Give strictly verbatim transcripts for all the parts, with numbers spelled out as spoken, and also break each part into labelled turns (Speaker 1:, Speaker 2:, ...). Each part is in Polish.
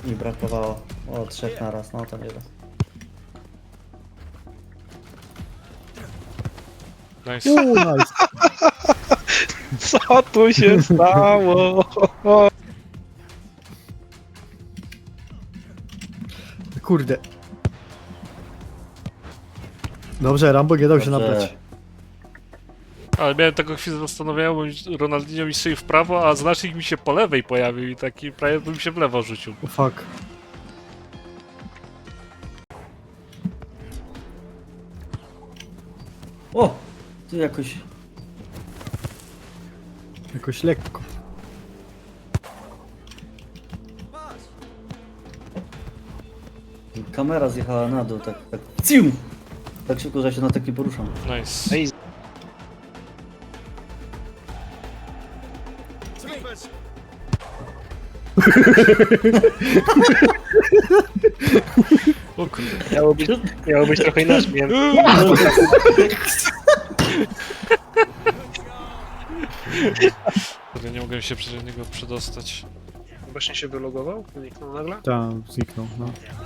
Speaker 1: mi brakowało. O, trzech naraz, no to nie da.
Speaker 2: Nice.
Speaker 3: Uuu, nice.
Speaker 4: Co tu się stało?
Speaker 3: Kurde. Dobrze, Rambo nie dał się
Speaker 1: Dobrze.
Speaker 3: nabrać.
Speaker 2: Ale miałem taką chwilę zastanawiałem, bo Ronaldinho mi strzelił w prawo, a znacznik mi się po lewej pojawił i taki prawie bym się w lewo rzucił.
Speaker 3: O fuck.
Speaker 1: O! Tu jakoś...
Speaker 3: Jakoś lekko.
Speaker 1: Kamera zjechała na dół, tak, tak... Cium! Tak szybko, że ja się na tak nie poruszam.
Speaker 2: Nice.
Speaker 4: Ej,
Speaker 2: O kurde.
Speaker 4: miało być, miało być trochę inaczej. Miałem...
Speaker 2: Kurde, nie mogłem się przez niego przedostać.
Speaker 4: Właśnie się wylogował? Zniknął nagle?
Speaker 3: Tam zniknął, no.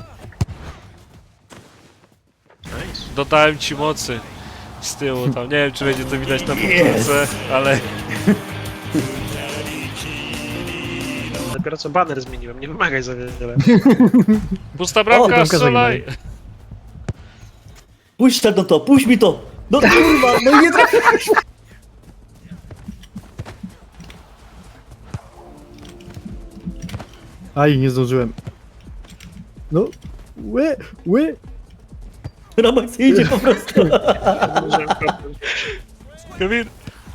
Speaker 4: Nice.
Speaker 2: Dodałem ci mocy z tyłu tam. Nie wiem, czy będzie to widać na powtórce, ale
Speaker 4: Dopiero co baner zmieniłem, nie wymagaj za wiele.
Speaker 2: pusta bramka,
Speaker 3: bramka
Speaker 2: strzelaj!
Speaker 1: Puść to, no to, puść mi to! No kurwa, no nie trafiłeś!
Speaker 3: Aj, nie zdążyłem. No. Ły, ły.
Speaker 1: Ramak idzie po prostu.
Speaker 2: Kevin!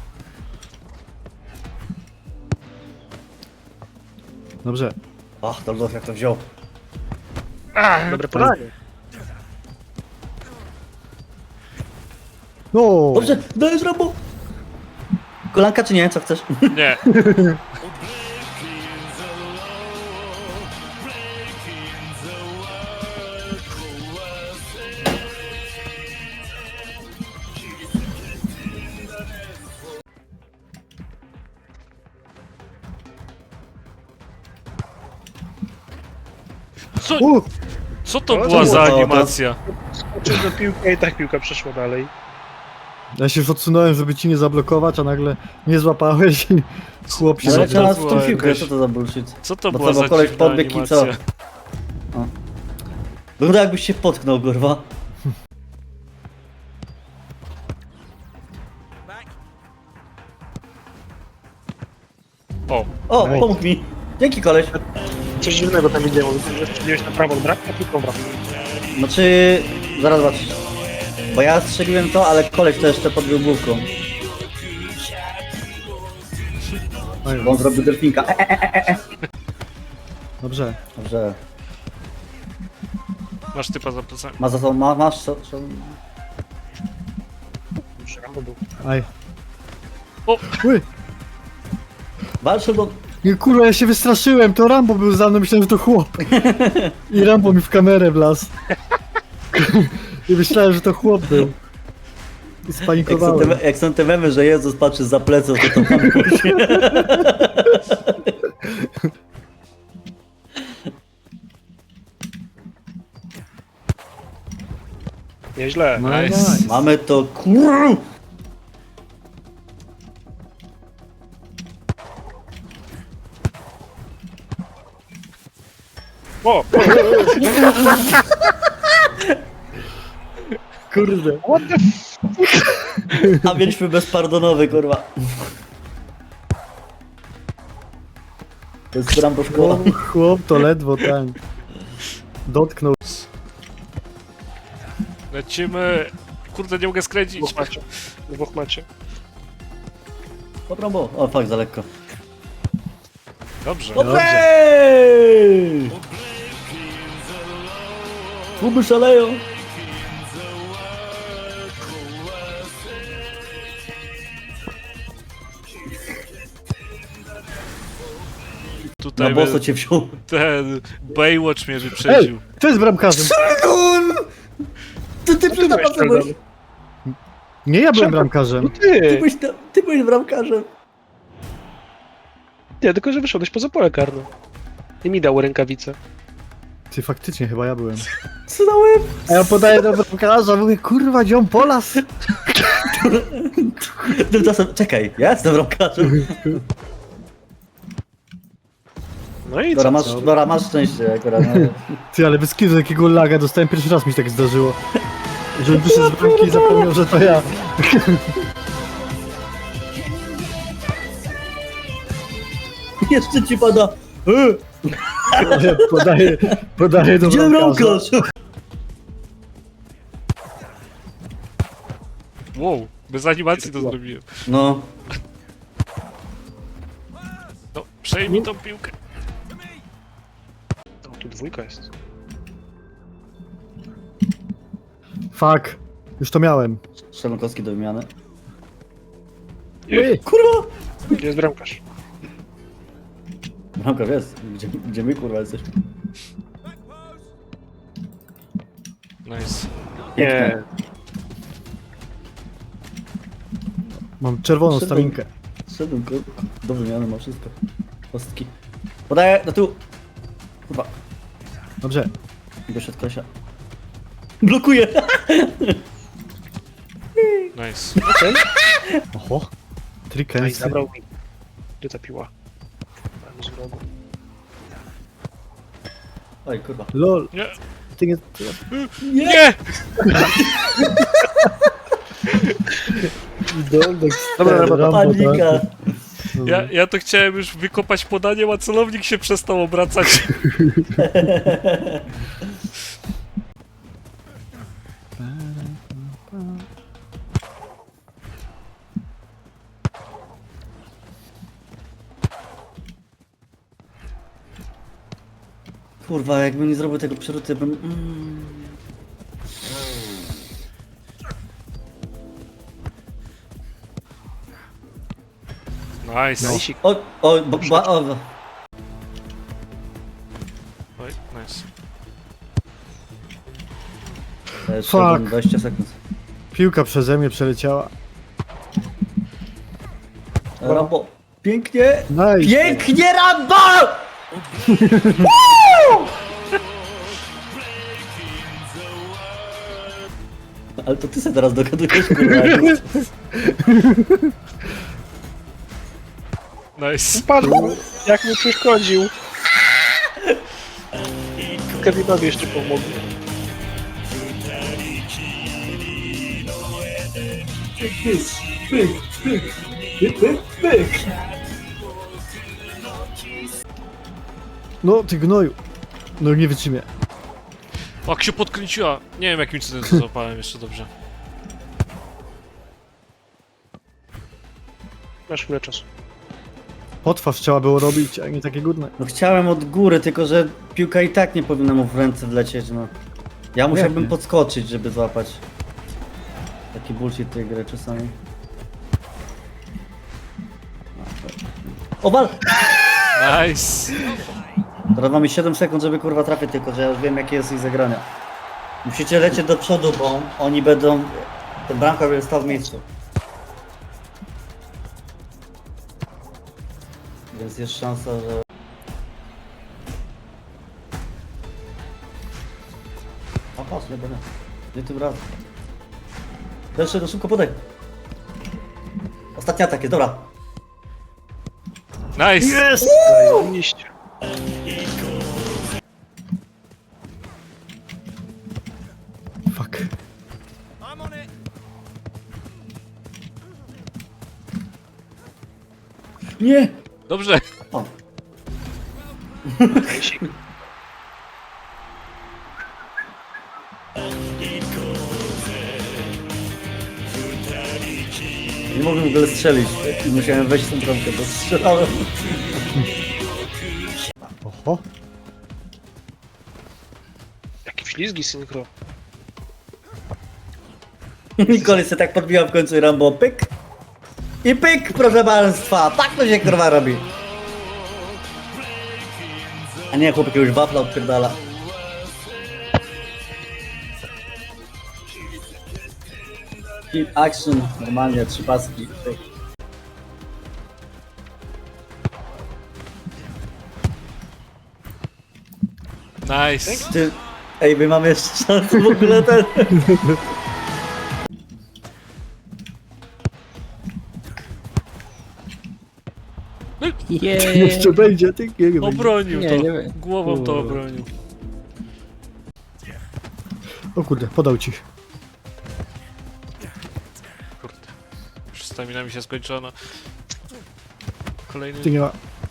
Speaker 3: Dobrze.
Speaker 1: Ach, Doldow jak to wziął.
Speaker 4: Dobre podanie.
Speaker 3: No.
Speaker 1: Dobrze, dajesz Rambo! Kolanka czy nie? Co chcesz?
Speaker 2: Nie. Co,
Speaker 3: U,
Speaker 2: co to
Speaker 4: O,
Speaker 2: była
Speaker 4: to
Speaker 2: za
Speaker 1: było to?
Speaker 2: animacja?
Speaker 4: Skoczył do piłki i tak piłka przeszła dalej.
Speaker 3: ja się już odsunąłem, żeby ci nie zablokować, a nagle nie złapałeś i chłop się
Speaker 1: Ale
Speaker 2: Co
Speaker 3: zaczął.
Speaker 1: leciała
Speaker 2: to
Speaker 1: w tą
Speaker 2: była
Speaker 1: piłkę,
Speaker 2: jakaś-
Speaker 1: co to za bullshit?
Speaker 2: Co to
Speaker 1: Bo
Speaker 2: była
Speaker 1: co,
Speaker 2: za
Speaker 1: bo koleś
Speaker 2: dziwna
Speaker 1: podbiegł i co?
Speaker 2: animacja?
Speaker 1: Wygląda jakbyś się potknął, kurwa.
Speaker 2: O,
Speaker 1: O,
Speaker 3: Ej.
Speaker 1: pomógł mi. Dzięki koleś.
Speaker 4: Coś dziwnego tam widziałem, strzeliłeś na prawą bramkę, a piłką w bramkę.
Speaker 1: Znaczy, zaraz zobaczysz. Bo ja strzeliłem to, ale koleś to jeszcze podbił główką.
Speaker 3: Oj,
Speaker 1: Bo on zrobił delfinka. E, e, e, e.
Speaker 3: Dobrze.
Speaker 1: Dobrze.
Speaker 2: masz typa za plecami.
Speaker 1: Ma za sobą, ma, masz co? co?
Speaker 4: Już Rambo był.
Speaker 3: Aj.
Speaker 2: O!
Speaker 3: Ły.
Speaker 1: Walczę do...
Speaker 3: Nie, kurwa, ja się wystraszyłem, to Rambo był za mną, myślałem, że to chłop. I Rambo mi w kamerę wlazł. I myślałem, że to chłop był. I
Speaker 1: Jak są,
Speaker 3: spanikowałem.
Speaker 1: te, jak są te memy, że Jezus patrzy za pleców, to to tam musi.
Speaker 4: Nieźle.
Speaker 3: No,
Speaker 2: Nice.
Speaker 3: nice.
Speaker 1: Mamy to kur...
Speaker 4: O!
Speaker 3: Kurde.
Speaker 1: A mieliśmy bezpardonowy, kurwa. To jest Rambo szkoła.
Speaker 3: Chłop, chłop to ledwo ten. Dotknął.
Speaker 2: Lecimy. Kurde, nie mogę skręcić.
Speaker 4: Dwóch macie. Dwóch macie.
Speaker 1: O, Rambo. O, fuck, za lekko.
Speaker 2: Dobrze.
Speaker 1: Dobrze! Kluby szaleją.
Speaker 2: Tutaj
Speaker 1: Na boso cię wziął.
Speaker 2: ten Baywatch mnie
Speaker 3: Ej,
Speaker 2: wyprzedził.
Speaker 3: kto jest bramkarzem?
Speaker 1: Ty, ty,
Speaker 4: Ty
Speaker 1: ty,
Speaker 4: byłeś
Speaker 1: ty, byłeś,
Speaker 4: tam.
Speaker 3: Nie, ja byłem
Speaker 4: Czemu?
Speaker 3: bramkarzem.
Speaker 1: ty,
Speaker 4: Ty!
Speaker 1: byłeś, tam- ty byłeś bramkarzem.
Speaker 4: Nie, tylko że wyszedłeś poza pole karne. I mi dał rękawicę.
Speaker 3: Ty faktycznie chyba ja byłem.
Speaker 1: Co na łeb?
Speaker 3: A ja podaję do bramkarza, mówię, kurwa, dziom Polas.
Speaker 1: Tymczasem, czekaj, ja jestem bramkarzem.
Speaker 4: No i
Speaker 1: Dobra,
Speaker 4: co?
Speaker 1: masz, dobra, masz szczęście akurat. No.
Speaker 3: Ty, ale bez kitu takiego laga dostałem pierwszy raz, mi się tak zdarzyło. Że wyszedł z bramki i zapomniał, że to ja.
Speaker 1: Jeszcze ci pada. E,
Speaker 3: Podaję, podaję do
Speaker 1: Gdzie
Speaker 3: bramkarza.
Speaker 1: bramkarz?
Speaker 2: Wow, bez animacji to zrobiłem.
Speaker 1: No.
Speaker 2: No, przejmij tą piłkę.
Speaker 4: O, tu dwójka jest.
Speaker 3: Fuck. Już to miałem.
Speaker 1: Szemkowski do wymiany.
Speaker 3: Ej,
Speaker 1: Kurwa!
Speaker 4: Gdzie jest bramkarz?
Speaker 1: Bramkarz jest. Gdzie, gdzie my kurwa jesteśmy?
Speaker 2: Nice.
Speaker 4: Nie.
Speaker 3: mam czerwoną
Speaker 1: Szedłem.
Speaker 3: staminkę.
Speaker 1: Szedłem ko- do wymiany, ma wszystko. Kostki. Podaję do tyłu. Kurwa.
Speaker 3: Dobrze.
Speaker 1: Doszedł kosia. Blokuje!
Speaker 2: Nice.
Speaker 3: Oho.
Speaker 4: No i
Speaker 3: Trikensy.
Speaker 4: zabrał mi. Gdzie ta piła? Tam z rogu.
Speaker 1: Oj, kurwa.
Speaker 3: Lol.
Speaker 2: Nie.
Speaker 3: Ty nie...
Speaker 2: Nie!
Speaker 3: Dolnek
Speaker 4: Dobra, dobra,
Speaker 3: Rambo,
Speaker 1: Panika.
Speaker 3: tak.
Speaker 2: Ja, ja to chciałem już wykopać podaniem, a celownik się przestał obracać.
Speaker 1: Kurwa, jakbym nie zrobił tego przeruty, bym... Mm.
Speaker 2: Nice.
Speaker 4: Najsik.
Speaker 1: O, o, ba, ba, o.
Speaker 2: Oj, nice.
Speaker 1: Jeszcze
Speaker 3: Fuck.
Speaker 1: dwadzieścia sekund.
Speaker 3: Piłka przeze mnie przeleciała.
Speaker 1: Rambo. Pięknie!
Speaker 3: Nice.
Speaker 1: Pięknie, Rambo! Ale to ty sobie teraz dogadujesz, kurwa.
Speaker 2: Nice.
Speaker 4: Padł! Jak mi przeszkodził! Kevinowi jeszcze pomógł.
Speaker 3: No, ty gnoju. No nie wytrzymie.
Speaker 2: Jak się podkręciła. Nie wiem jakim cudem to złapałem jeszcze dobrze.
Speaker 4: Masz chwilę czasu.
Speaker 3: Potwarz trzeba było robić, a nie takie górne.
Speaker 1: No chciałem od góry, tylko że piłka i tak nie powinna mu w ręce wlecieć, no. Ja musiałbym
Speaker 3: nie?
Speaker 1: podskoczyć, żeby złapać. Taki bullshit tej gry czasami. O, wal!
Speaker 2: Nice.
Speaker 1: Teraz mamy siedem sekund, żeby kurwa trafić, tylko że ja już wiem jakie jest ich zagrania. Musicie lecieć do przodu, bo oni będą... Ten bramkarz będzie stał w miejscu. Więc jest szansa, że... A patrz, nie będę. Nie tym razem. Jeszcze do szybko podaj. Ostatni atak jest, dobra.
Speaker 2: Nice.
Speaker 3: Jest!
Speaker 4: Zajebiście.
Speaker 3: Fuck.
Speaker 1: Nie!
Speaker 2: Dobrze.
Speaker 1: O.
Speaker 4: Najsik.
Speaker 1: Nie mogłem w ogóle strzelić. I musiałem wejść w tą bramkę, bo strzelałem.
Speaker 3: Oho.
Speaker 4: Jakie ślizgi synchro.
Speaker 1: I kolej się tak podbiła w końcu i Rambo pyk. I pyk, proszę państwa. Tak to się kurwa robi. A nie, chłopak już wafla odpierdala. Keep action, normalnie, trzy paski. Pyk.
Speaker 2: Nice.
Speaker 1: Ty... Ej, my mamy jeszcze szansę w ogóle ten...
Speaker 5: Jej.
Speaker 3: Jeszcze będzie, ty nie będzie.
Speaker 2: Obronił
Speaker 5: Nie,
Speaker 2: to.
Speaker 5: nie wiem.
Speaker 2: Głową to
Speaker 3: Kurde.
Speaker 2: obronił.
Speaker 3: O kurde, podał ci.
Speaker 2: Kurde. Już stamina mi się skończono. Kolejny.
Speaker 3: Ty nie ma...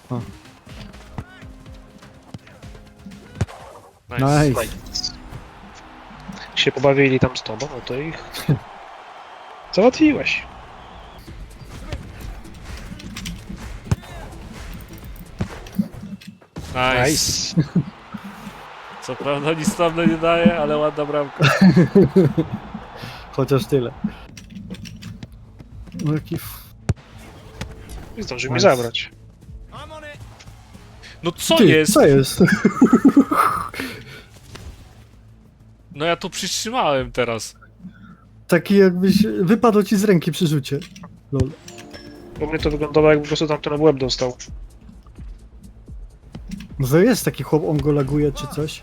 Speaker 2: Nice.
Speaker 3: Nice.
Speaker 4: Się pobawili tam z tobą, no to ich... Załatwiłeś.
Speaker 2: Nice.
Speaker 4: Nice.
Speaker 2: Co prawda nic tam nie daje, ale ładna bramka.
Speaker 3: Chociaż tyle. No jaki... f-
Speaker 4: I zdążył mi
Speaker 3: Nice.
Speaker 4: zabrać.
Speaker 2: No co
Speaker 3: Ty,
Speaker 2: jest?
Speaker 3: co jest?
Speaker 2: No ja to przytrzymałem teraz.
Speaker 3: Taki jakbyś... Wypadło ci z ręki przy rzucie. Lol.
Speaker 4: U mnie to wyglądało, jakby po prostu tamten w łeb dostał.
Speaker 3: Może jest taki chłop, on go laguje czy coś?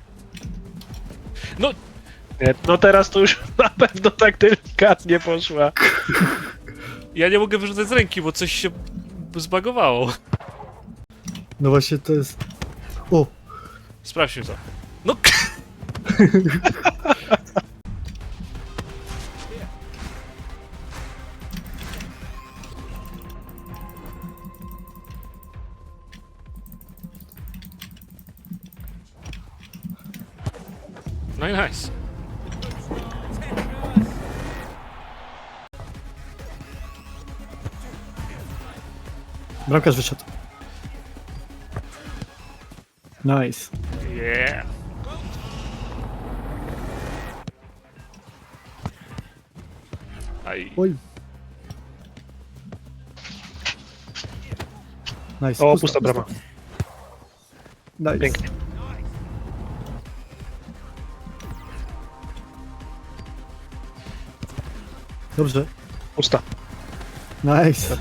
Speaker 2: No,
Speaker 4: Nie, no teraz to już na pewno tak delikatnie poszła.
Speaker 2: ja nie mogę wyrzucać z ręki, bo coś się zbagowało.
Speaker 3: No właśnie to jest... O!
Speaker 2: Sprawdźmy to. No No i nice.
Speaker 3: Bramkarz wyszedł. Nice.
Speaker 2: Yeah. Aj.
Speaker 3: Oj. Nice.
Speaker 4: O, pusta brama.
Speaker 3: Nice.
Speaker 4: Pięknie.
Speaker 3: Dobrze.
Speaker 4: Pusta.
Speaker 3: Nice.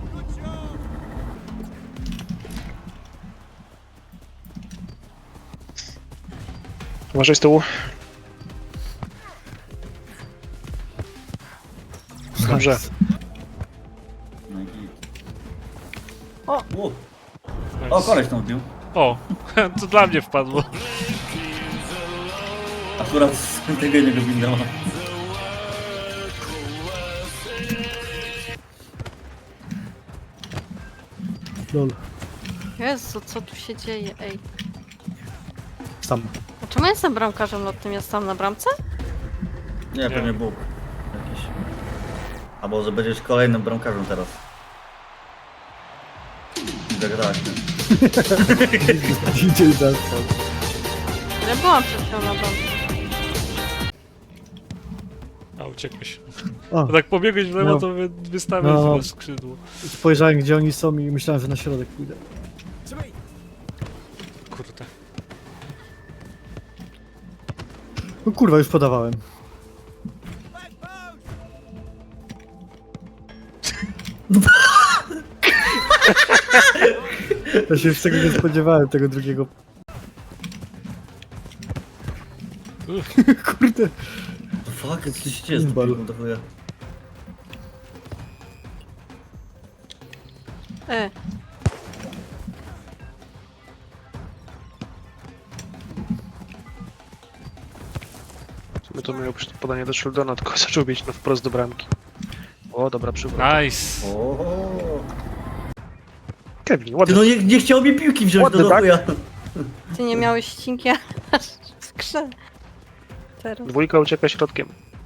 Speaker 4: Uważaj z tyłu. Dobrze.
Speaker 3: Nice.
Speaker 1: O! O, o koleś tam wbił.
Speaker 2: O, to dla mnie wpadło.
Speaker 1: Akurat z tego jednego windowa.
Speaker 3: Lol.
Speaker 6: Jezu, co tu się dzieje, ej.
Speaker 3: Sam.
Speaker 6: A czemu ja jestem bramkarzem lotnym? Ja stałam na bramce?
Speaker 1: Nie, pewnie Bóg. Jakiś. A może będziesz kolejnym bramkarzem teraz. Tak, tak.
Speaker 3: Idzie i zastał.
Speaker 6: Ja byłam przed chwilą na bramce.
Speaker 2: A, uciekłeś.
Speaker 3: O,
Speaker 2: To tak pobiegłeś w lewo,
Speaker 3: No.
Speaker 2: to wy, wystawiasz
Speaker 3: No.
Speaker 2: no. skrzydło.
Speaker 3: spojrzałem gdzie oni są i myślałem, że na środek pójdę.
Speaker 2: Kurde.
Speaker 3: No kurwa, już podawałem. Ja się już tego nie spodziewałem, tego drugiego. Kurde.
Speaker 1: Fuck, co się dzieje z
Speaker 3: Bal.
Speaker 1: tym do chuja?
Speaker 6: E,
Speaker 4: My to miał podanie do Sheldona, tylko zaczął bieć no wprost do bramki. O, dobra przywrót.
Speaker 2: Nice.
Speaker 1: O.
Speaker 4: Kevin,
Speaker 1: Ty
Speaker 4: ładny.
Speaker 1: no nie, nie chciał mi piłki wziąć
Speaker 4: Ładny,
Speaker 1: do
Speaker 4: tak?
Speaker 1: chuja.
Speaker 6: ty nie miałeś ścinki aż w skrze. Teraz.
Speaker 4: Dwójka ucieka środkiem.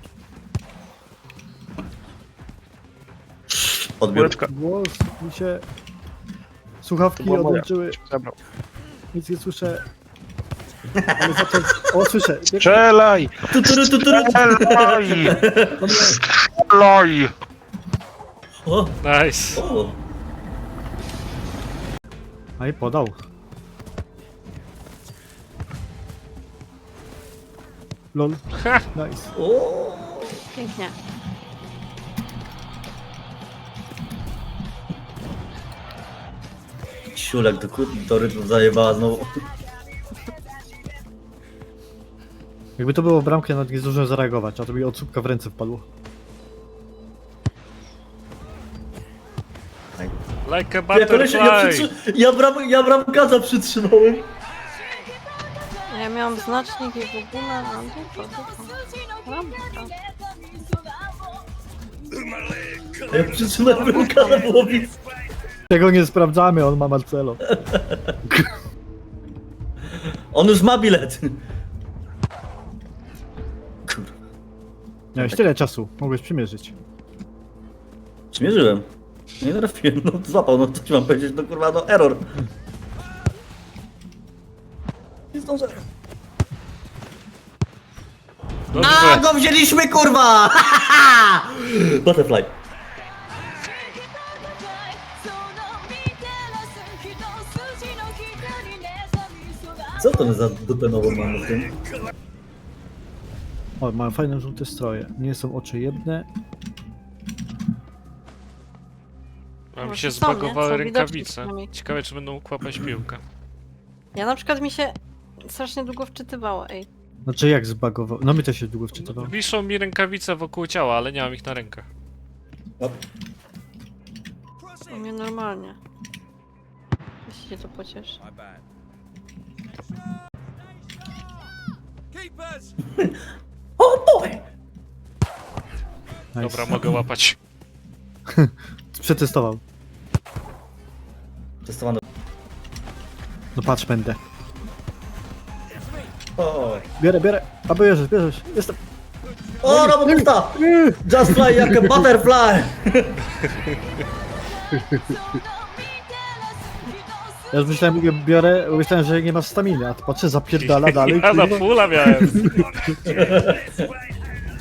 Speaker 1: Odbiór.
Speaker 4: Kuleczka.
Speaker 3: Głos mi się... Słuchawki
Speaker 4: To była moja.
Speaker 3: odłączyły,
Speaker 4: Zabrał.
Speaker 3: nic nie słyszę. Ale za to... O, słyszę.
Speaker 4: Strzelaj!
Speaker 1: Tuturu, tuturu.
Speaker 4: Strzelaj! Strzelaj!
Speaker 1: O,
Speaker 2: Nice.
Speaker 1: o.
Speaker 3: A i podał. Lol.
Speaker 2: Ha!
Speaker 3: Nice.
Speaker 1: O.
Speaker 6: Pięknie.
Speaker 1: Siulek do, kur- do rytmu zajebała znowu.
Speaker 3: Jakby to było bramkę, nawet nie zdążyłem zareagować, a to mi od słupka w ręce wpadło.
Speaker 2: Like a
Speaker 1: Ja, kolesie, ja,
Speaker 2: butterfly!
Speaker 1: przytrzy... ja, bram... ja bramkarza przytrzymałem.
Speaker 6: Ja miałam znacznik i w ogóle, a dupa, dupa. Rampa.
Speaker 1: Ja przytrzymałem bramkarza, było widz.
Speaker 3: Tego nie sprawdzamy, on ma Marcelo.
Speaker 1: On już ma bilet. Kurwa.
Speaker 3: Miałeś tyle czasu, mogłeś przymierzyć.
Speaker 1: Zmierzyłem. Nie trafiłem, no złapał, no co ci mam powiedzieć, no kurwa, no error. Nie zdążę. A,
Speaker 2: Dobrze.
Speaker 1: go wzięliśmy, kurwa! Butterfly. Co to my za dupę nową mamy w tym?
Speaker 3: O, mają fajne żółte stroje. Nie są oczy jedne.
Speaker 2: A mi
Speaker 6: Może
Speaker 2: się
Speaker 6: są, nie?
Speaker 2: zbagowały
Speaker 6: Są widoczne
Speaker 2: rękawice.
Speaker 6: przynajmniej.
Speaker 2: Ciekawe, czy będą mógł łapać piłkę.
Speaker 6: Ja na przykład mi się strasznie długo wczytywało, ej.
Speaker 3: Znaczy jak zbagował? No mi też się długo wczytywało.
Speaker 2: Wiszą mi rękawice wokół ciała, ale nie mam ich na rękach.
Speaker 6: U mnie normalnie. Jeśli cię to pocieszy.
Speaker 1: O boy!
Speaker 3: Nice.
Speaker 2: Dobra, mogę łapać.
Speaker 3: Przetestował.
Speaker 1: Testowane.
Speaker 3: No patrz, będę.
Speaker 1: O,
Speaker 3: Bierę, bierę. A bierzesz, bierzesz. Jestem.
Speaker 1: o robotysta! Just fly jak a butterfly!
Speaker 3: Ja już myślałem, biorę, myślałem, że nie masz staminy, a to patrzę, zapierdala dalej.
Speaker 2: Ja na
Speaker 3: kurwa.
Speaker 2: pula miałem.